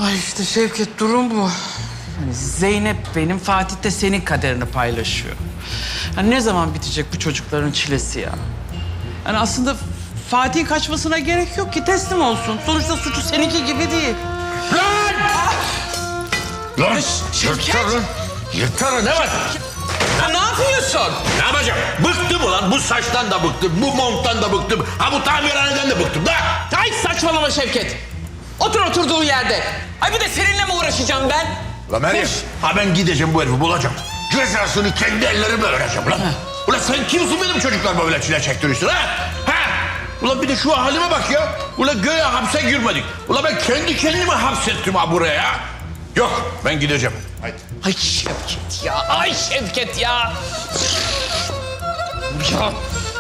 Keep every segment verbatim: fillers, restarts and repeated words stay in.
Ay işte Şevket, durum bu. Yani Zeynep benim, Fatih de senin kaderini paylaşıyor. Yani ne zaman bitecek bu çocukların çilesi ya? Yani aslında Fatih'in kaçmasına gerek yok ki, teslim olsun. Sonuçta suçu seninki gibi değil. Lan! Lan! Şevket! Yırtarın! Yırtarın, ne var? Ya ne yapıyorsun? Ne yapacağım? Bıktım ulan, bu saçtan da bıktım, bu monttan da bıktım, ha bu tamirhaneden de bıktım da! Ay saçmalama Şevket. Otur oturduğun yerde. Ay bir de seninle mi uğraşacağım ben? Ulan Meryem, ha ben gideceğim bu herifi bulacağım. Cezasını kendi ellerimle vereceğim lan. Ulan sen kimsin benim çocuklarıma böyle çile çektiriyorsun ha? Ha? Ulan bir de şu halime bak ya. Ulan göğe hapse girmedik. Ulan ben kendi kendimi hapsettim ha buraya ya. Yok, ben gideceğim. Haydi. Ay Şevket ya, ay Şevket ya. Ya.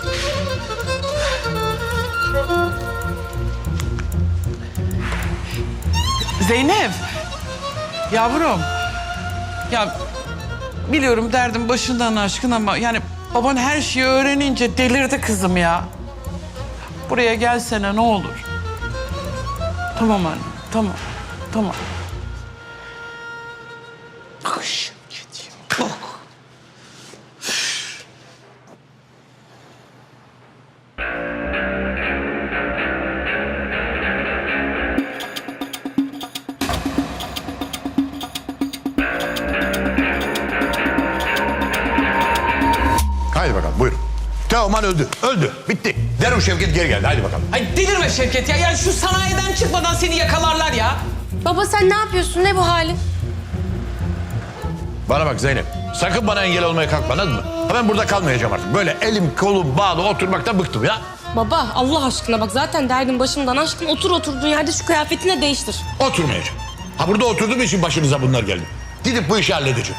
Zeynep, yavrum. Ya biliyorum derdin başından aşkın ama yani baban her şeyi öğrenince delirdi kızım ya. Buraya gelsene ne olur. Tamam anne, tamam, tamam. Ay Şevket ya, bak. Haydi bakalım, buyurun. Teoman öldü, öldü. Bitti. Derim Şevket geri geldi, haydi bakalım. Ay delirme Şevket ya. Yani şu sanayiden çıkmadan seni yakalarlar ya. Baba sen ne yapıyorsun? Ne bu halin? Bana bak Zeynep, sakın bana engel olmaya kalkma, anladın mı? Ha ben burada kalmayacağım artık. Böyle elim kolum bağlı oturmaktan bıktım ya. Baba Allah aşkına bak zaten derdin başımdan aşkın. Otur oturduğun yerde şu kıyafetini de değiştir. Oturmayacağım. Ha burada oturduğum için başınıza bunlar geldi. Gidip bu işi halledeceğim.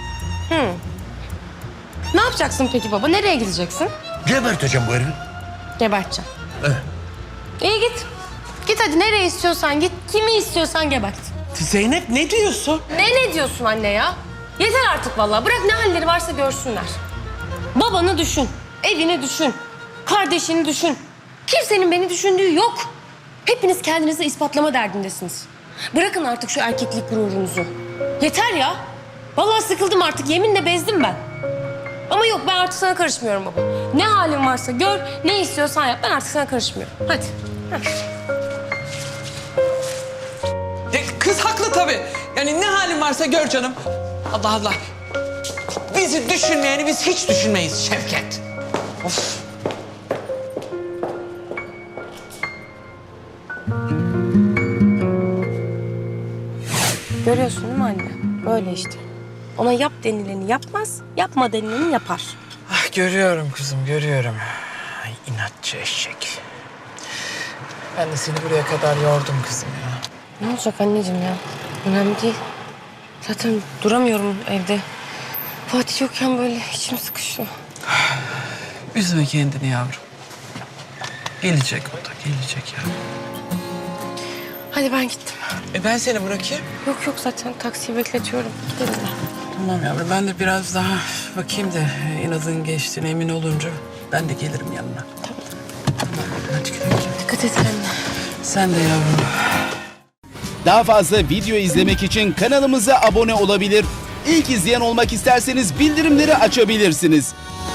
Ne yapacaksın peki baba? Nereye gideceksin? Geberteceğim bu herifi. Geberteceğim. Evet. İyi git. Git hadi nereye istiyorsan git. Kimi istiyorsan gebert. Zeynep ne diyorsun? Ne ne diyorsun anne ya? Yeter artık vallahi. Bırak ne halleri varsa görsünler. Babanı düşün. Evini düşün. Kardeşini düşün. Kimsenin beni düşündüğü yok. Hepiniz kendinizi ispatlama derdindesiniz. Bırakın artık şu erkeklik gururunuzu. Yeter ya. Vallahi sıkıldım artık. Yeminle bezdim ben. Ama yok ben artık sana karışmıyorum baba. Ne halin varsa gör, ne istiyorsan yap. Ben artık sana karışmıyorum. Hadi. Heh. E, kız haklı tabii. Yani ne halin varsa gör canım. Allah Allah. Bizi düşünmeyeni biz hiç düşünmeyiz Şevket. Of. Görüyorsun değil mi anne? Böyle işte. Ona yap denileni yapmaz, yapma denileni yapar. Ah, görüyorum kızım, görüyorum. Ay, inatçı eşek. Ben de seni buraya kadar yordum kızım ya. Ne olacak anneciğim ya? Önemli değil. Zaten duramıyorum evde. Fatih yokken böyle içim sıkışıyor. Üzme kendini yavrum. Gelecek o da, gelecek ya. Hadi ben gittim. E ben seni bırakayım. Yok yok zaten taksiyi bekletiyorum. Gidelim ben. Tamam yavrum, ben de biraz daha bakayım da inadın geçtiğine emin olunca ben de gelirim yanına. Tamam. Tamam, hadi güle güle. Dikkat et kendine. Sen de yavrum. Daha fazla video izlemek için kanalımıza abone olabilir. İlk izleyen olmak isterseniz bildirimleri açabilirsiniz.